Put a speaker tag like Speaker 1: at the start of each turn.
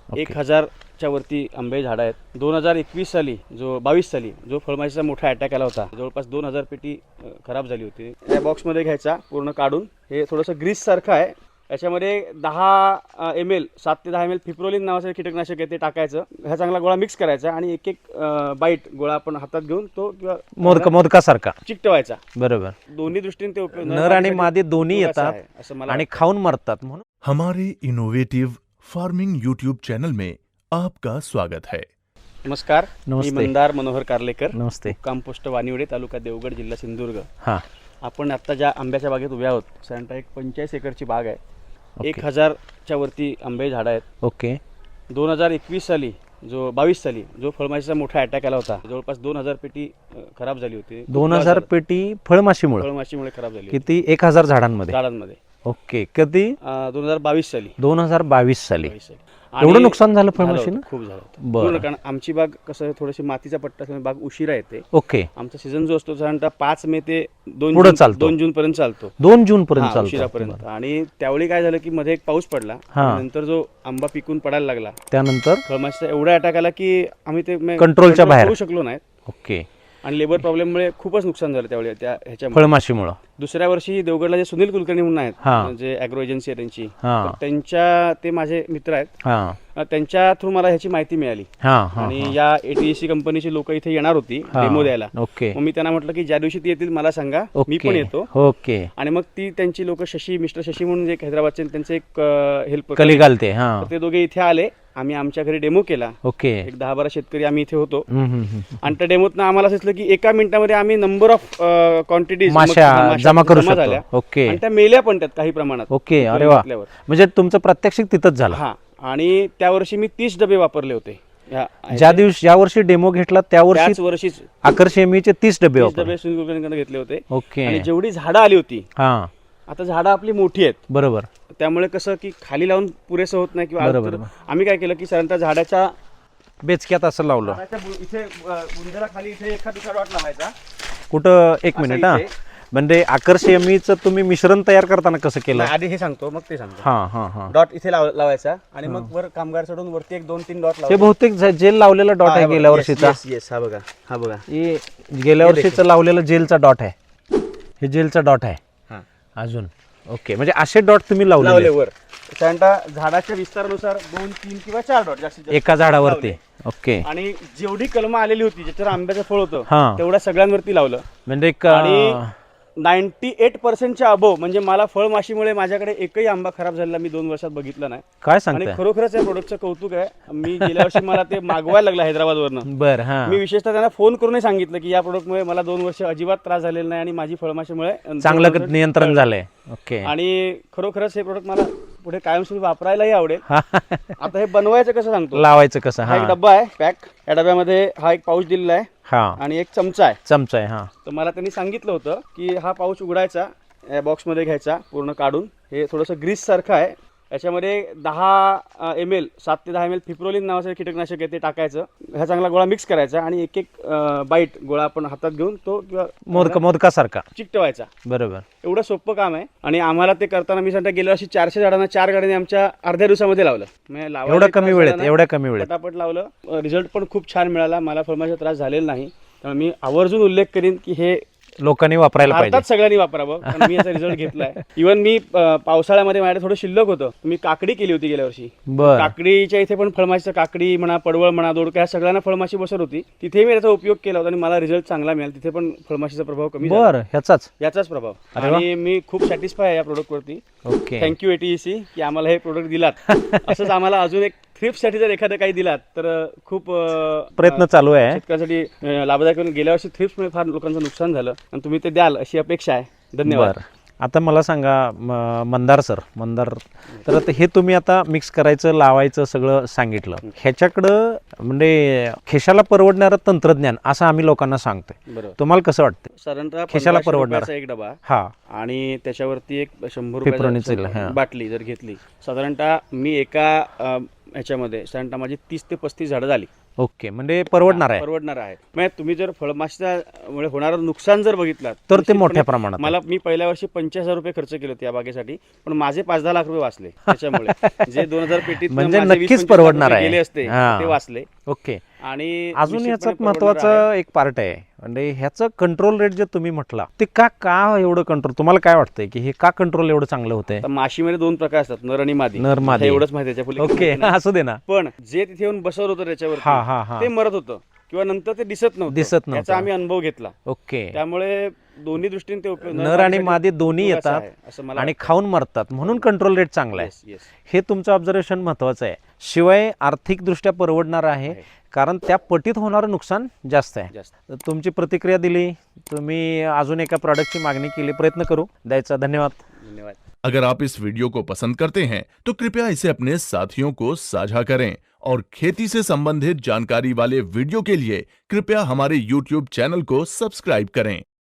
Speaker 1: 1000च्या वरती आंबे झाडं आहेत. 2021 साली 22 साली जो फळमाशीचा मोठा अटॅक आला होता, जवळपास 2000 पेटी खराब झाली होती. या बॉक्समध्ये घ्यायचा, पूर्ण काढून. हे थोडंसं ग्रीस सारखं आहे. याच्यामध्ये 10 ml 7 ते 10 ml फिप्रोलिन नावाचं कीटकनाशक आहे, ते टाकायचं. हा चांगला गोळा मिक्स करायचा आणि एक बाईट गोळा आपण हातात घेऊन तो किंवा
Speaker 2: मोदकासारखा
Speaker 1: चिकटवायचा.
Speaker 2: बरोबर.
Speaker 1: दोन्ही दृष्टीने ते उपयोग,
Speaker 2: नर आणि मादी दोन्ही येतात आणि खाऊन मरतात. म्हणून
Speaker 3: हमारे इनोवेटिव फार्मिंग यूट्यूब चैनल में आपका स्वागत है.
Speaker 1: नमस्कार, मी
Speaker 2: नमस्ते.
Speaker 1: मंदार मनोहर कारलेकर,
Speaker 2: नमस्ते.
Speaker 1: कंपोस्ट वानिवडे, तालुका देवगड, जिल्हा सिंधुदुर्ग.
Speaker 2: हां,
Speaker 1: आपण आता ज्या आंब्याच्या बागेत उभे आहोत, साधारणतः एक 45 एकरची बाग आहे.
Speaker 2: ओके.
Speaker 1: 1000च्या वरती आंबे झाडं आहेत.
Speaker 2: ओके.
Speaker 1: 2021 साली 22 साली जो फळमाशीचा मोठा अटॅक आला होता, जवळपास 2000 पेटी खराब झाली होती.
Speaker 2: 2000 पेटी फळमाशीमुळे
Speaker 1: फळमाशीमुळे खराब झाली होती
Speaker 2: किती? 1000 झाडांमध्ये.
Speaker 1: झाडांमध्ये.
Speaker 2: ओके. कधी?
Speaker 1: 2022 साली.
Speaker 2: 2022 साली
Speaker 1: 22 साली.
Speaker 2: एवढं नुकसान झालं
Speaker 1: झालं
Speaker 2: फळमाशीनं?
Speaker 1: होतं, खूप झालं होतं.
Speaker 2: बरं.
Speaker 1: पूर्ण, कारण आमची बाग कसं थोडीशी मातीचा पट्टा असल्यामुळे बाग उशिरा येते.
Speaker 2: ओके.
Speaker 1: आमचा सीझन जो असतो साधारणतः 5 मे ते 2
Speaker 2: पुढं चालतो.
Speaker 1: 2 जून पर्यंत चालतो.
Speaker 2: 2 जून पर्यंत
Speaker 1: हा,
Speaker 2: चालतो.
Speaker 1: उशिरापर्यंत. आणि त्यावेळी काय झालं की मध्ये एक पाऊस पडला,
Speaker 2: हा.
Speaker 1: नंतर जो आंबा पिकून पडायला लागला,
Speaker 2: त्यानंतर
Speaker 1: फळमाशीचा एवढा अटॅक आला की आम्ही ते
Speaker 2: कंट्रोलच्या बाहेर
Speaker 1: करू शकलो नाही.
Speaker 2: ओके.
Speaker 1: आणि लेबर प्रॉब्लेममुळे खूपच नुकसान झालं त्यावेळी त्या ह्याच्यामुळे.
Speaker 2: फळमाशीमुळे.
Speaker 1: दुसऱ्या वर्षी देवगडला जे सुनील कुलकर्णी म्हणून आहेत,
Speaker 2: हा.
Speaker 1: जे ॲग्रो एजन्सी आहे त्यांची,
Speaker 2: हा.
Speaker 1: तर त्यांच्या, ते माझे मित्र आहेत,
Speaker 2: हां
Speaker 1: त्यांच्या थ्रू मला ह्याची माहिती मिळाली.
Speaker 2: हां हां.
Speaker 1: आणि या ATEC कंपनीची लोक इथे येणार होती डेमो द्यायला.
Speaker 2: ओके.
Speaker 1: मग मी त्यांना म्हटलं की ज्या दिवशी ती येतील मला सांगा, मी पण येतो.
Speaker 2: ओके.
Speaker 1: आणि मग ती त्यांची लोक मिस्टर शशी म्हणून एक हैदराबादचे, त्यांचे एक हेल्प
Speaker 2: कली घालते. हां.
Speaker 1: ते दोघे इथे आले. आम्ही आमच्या घरी डेमो केला.
Speaker 2: ओके.
Speaker 1: एक 10-12 शेतकरी आम्ही इथे होतो.
Speaker 2: हम्म.
Speaker 1: आणि त्या डेमोतनं आम्हाला असं दिसलं की एका मिनिटामध्ये आम्ही नंबर ऑफ क्वांटिटीज
Speaker 2: माशा जमा करू
Speaker 1: झाल्या.
Speaker 2: शकतो. ओके.
Speaker 1: आणि त्या मेल्या पण त्यात काही प्रमाणात.
Speaker 2: ओके. अरे वा. म्हणजे तुमचं प्रात्यक्षिक तिथंच झालं.
Speaker 1: हा. आणि त्या वर्षी मी 30 डबे वापरले होते.
Speaker 2: ज्या वर्षी डेमो घेतला त्या
Speaker 1: वर्षीच
Speaker 2: आकर्षेमीचे 30 डबे वापरले.
Speaker 1: सुनील कुलकर्णीकडनं घेतले होते.
Speaker 2: ओके.
Speaker 1: आणि जेवढी झाडं आली होती,
Speaker 2: हां,
Speaker 1: आता झाडं आपली मोठी आहेत,
Speaker 2: बरोबर.
Speaker 1: त्यामुळे कसं की खाली लावून पुरेसं होत नाही. किंवा
Speaker 2: बरोबर.
Speaker 1: आम्ही काय केलं की साधारणतः झाडाच्या
Speaker 2: बेचक्यात असं लावलं.
Speaker 1: इथे बुंध्याला खाली इथे एखाद दुसरा डॉट लावायचा.
Speaker 2: कुठं? एक मिनिट. हा,
Speaker 1: इथे.
Speaker 2: म्हणजे आकर्षेमीचं तुम्ही मिश्रण तयार करताना कसं केलं?
Speaker 1: आधी हे सांगतो, मग ते सांगतो.
Speaker 2: हां हां हां.
Speaker 1: डॉट इथे लावायचा आणि मग वर कामगार सोडून वरती 1-2-3 डॉट
Speaker 2: हे
Speaker 1: लावायचे.
Speaker 2: बहुतेक जेल लावलेला डॉट आहे गेल्या वर्षीचा.
Speaker 1: हा बघा, हा बघा,
Speaker 2: हे गेल्या वर्षीचं लावलेलं जेलचा डॉट आहे. हे जेलचा डॉट आहे.
Speaker 1: हा.
Speaker 2: अजून ओके. म्हणजे असे डॉट तुम्ही
Speaker 1: लावले
Speaker 2: लावले
Speaker 1: वर. साधारणतः झाडाच्या विस्तारानुसार 2-3 किंवा 4 डॉट जास्तीत जास्त
Speaker 2: एका झाडावरती.
Speaker 1: लावले.
Speaker 2: ओके.
Speaker 1: आणि जेवढी कलमं आलेली होती, ज्याच्यावर आंब्याचं फळ होतं,
Speaker 2: हा.
Speaker 1: तेवढ्या सगळ्यांवरती लावलं.
Speaker 2: म्हणजे एक
Speaker 1: आणि 98% अबोव, म्हणजे मला फळमाशीमुळे माझ्याकडे एकही आंबा खराब झालेला मी 2 वर्षात बघितला नाही.
Speaker 2: काय
Speaker 1: आणि
Speaker 2: सांगताय?
Speaker 1: खरोखरच या प्रोडक्टचं कौतुक आहे. मी गेल्या वर्षी मला ते मागवायला लागलं हैदराबादवरनं.
Speaker 2: बर. हा.
Speaker 1: मी विशेषतः त्यांना फोन करूनही सांगितलं की या प्रोडक्टमुळे मला 2 वर्ष अजिबात त्रास झालेला नाही आणि माझी फळमाशीमुळे
Speaker 2: चांगलं नियंत्रण झालंय. ओके.
Speaker 1: आणि खरोखरच हे प्रोडक्ट मला पुढे कायमस्वरूपी वापरायलाही आवडेल. आता हे बनवायचं कसं सांगतो.
Speaker 2: लावायचं कसं?
Speaker 1: हा एक
Speaker 2: हा.
Speaker 1: डब्बा आहे पॅक. या डब्यामध्ये हा एक पाऊच दिलेला आहे
Speaker 2: हा.
Speaker 1: आणि एक चमचा आहे.
Speaker 2: चमचा आहे. हा.
Speaker 1: तर मला त्यांनी सांगितलं होतं की हा पाऊच उघडायचा, या बॉक्समध्ये घ्यायचा, पूर्ण काढून. हे थोडंसं ग्रीस सारखं आहे. याच्यामध्ये 10 ml 7 ते 10 ml फिप्रोलिन नावाचं कीटकनाशक आहे, ते टाकायचं. हा चांगला गोळा मिक्स करायचा आणि एक बाईट गोळा आपण हातात घेऊन तो
Speaker 2: मोदकासारखा
Speaker 1: चिकटवायचा.
Speaker 2: बरोबर.
Speaker 1: एवढं सोपं काम आहे. आणि आम्हाला ते करताना मी सांगता गेल्या वर्षी 400 झाडांना 4 गाड्यांनी आमच्या अर्ध्या दिवसामध्ये लावलं.
Speaker 2: एवढ्या कमी वेळेत
Speaker 1: पटापट लावलं. रिझल्ट पण खूप छान मिळाला. मला फळमाशीचा त्रास झालेला नाही. त्यामुळे मी आवर्जून उल्लेख करीन की हे
Speaker 2: लोकांनी वापरायला पाहिजे.
Speaker 1: भारतात सगळ्यांनी वापरावं. कारण मी याचा रिझल्ट घेतलाय. इव्हन मी पावसाळ्यामध्ये माझ्याकडे थोडं शिल्लक होतं, मी काकडी केली होती गेल्या वर्षी.
Speaker 2: बर.
Speaker 1: काकडीच्या इथे पण फळमाशीचं, काकडी म्हणा, पडवळ म्हणा, दोडका, ह्या सगळ्यांना फळमाशी बसत होती. तिथे मी याचा उपयोग केला होता आणि मला रिझल्ट चांगला मिळाला. तिथे पण फळमाशीचा प्रभाव कमी झाला.
Speaker 2: बर. याचाच
Speaker 1: प्रभाव. आणि मी खूप सॅटिस्फाय आहे या प्रोडक्टवरती.
Speaker 2: ओके.
Speaker 1: थँक्यू ATEC की आम्हाला हे प्रोडक्ट दिलात. असंच आम्हाला अजून एक थ्रिप्ससाठी जर एखादं काही दिलात तर खूप
Speaker 2: प्रयत्न चालू आहे
Speaker 1: शेतकऱ्यांसाठी लाभदायक. गेल्या वर्षी थ्रिप्समुळे फार लोकांचं नुकसान झालं आणि तुम्ही ते द्याल अशी अपेक्षा आहे. धन्यवाद.
Speaker 2: आता मला सांगा मंदार सर, तर आता हे तुम्ही आता मिक्स करायचं, लावायचं सगळं सांगितलं. ह्याच्याकडं म्हणजे खेशाला परवडणारं तंत्रज्ञान असं आम्ही लोकांना सांगतोय.
Speaker 1: बरोबर.
Speaker 2: तुम्हाला कसं वाटतं?
Speaker 1: साधारणतः
Speaker 2: खेशाला परवडणार
Speaker 1: एक डबा.
Speaker 2: हा.
Speaker 1: आणि त्याच्यावरती एक 100
Speaker 2: फिप्रोनिल
Speaker 1: रुपयाची बाटली जर घेतली, साधारणतः मी एका ह्याच्यामध्ये साधारणतः माझी 30 ते 35 झाडं झाली.
Speaker 2: ओके, म्हणजे परवडणार आहे
Speaker 1: परवडणार आहे. म्हणजे तुम्ही जर फळमाशीमुळे होणारं नुकसान जर बघितलं
Speaker 2: तर ते मोठ्या प्रमाणात आहे.
Speaker 1: मी पहिल्या वर्षी 50,000 रुपये खर्च केले होते या बागेसाठी, पण माझे 5-10 लाख रुपये वाचले त्याच्यामुळे. जे 2000 पेटीत
Speaker 2: म्हणजे
Speaker 1: माझे
Speaker 2: नक्कीच
Speaker 1: 20-25
Speaker 2: परवडणार
Speaker 1: लाख
Speaker 2: आहे.
Speaker 1: रुपये गेले असते
Speaker 2: हां.
Speaker 1: ते वाचले.
Speaker 2: ओके.
Speaker 1: आणि
Speaker 2: अजून याचा
Speaker 1: निश्चितपणे परवडणार
Speaker 2: महत्वाचा
Speaker 1: आहे.
Speaker 2: एक पार्ट आहे, म्हणजे ह्याचं कंट्रोल रेट जे तुम्ही म्हटला ते का एवढं कंट्रोल, तुम्हाला काय वाटतंय की हे का कंट्रोल एवढं चांगलं होतंय?
Speaker 1: आता माशीमध्ये 2 प्रकार असतात, नर आणि मादी.
Speaker 2: नर, मादी.
Speaker 1: आता एवढंच माहिती त्याच्या
Speaker 2: ओके, असू दे ना.
Speaker 1: पण जे तिथे येऊन बसवलं होतं
Speaker 2: हा, हा, हा.
Speaker 1: त्याच्यावर ते मरत होतं किंवा नंतर ते दिसत नव्हतं. याचा आम्ही अनुभव घेतला.
Speaker 2: ओके.
Speaker 1: त्यामुळे दोन्ही दृष्टीने ते उपयोग,
Speaker 2: नर आणि मादी दोन्ही
Speaker 1: उपयोगाचं
Speaker 2: येतात
Speaker 1: आहे, असं मला
Speaker 2: आणि
Speaker 1: वाटतं.
Speaker 2: खाऊन मरतात, म्हणून कंट्रोल रेट चांगला आहे.
Speaker 1: Yes, yes.
Speaker 2: हे तुमचं ऑब्झर्वेशन महत्वाचं आहे. शिवाय आर्थिकदृष्ट्या परवडणार आहे, कारण त्या पटीत होणारं नुकसान जास्त आहे.
Speaker 1: जास्त.
Speaker 2: तर तुमची प्रतिक्रिया दिली, तुम्ही अजून एका प्रॉडक्टची मागणी केली, प्रयत्न करू द्यायचा. धन्यवाद.
Speaker 1: धन्यवाद.
Speaker 3: अगर आप इस वीडियो को पसंद करते हैं तो कृपया इसे अपने साथियों को साझा करें और खेती से संबंधित जानकारी वाले वीडियो के लिए कृपया हमारे YouTube चैनल को सब्सक्राइब करें।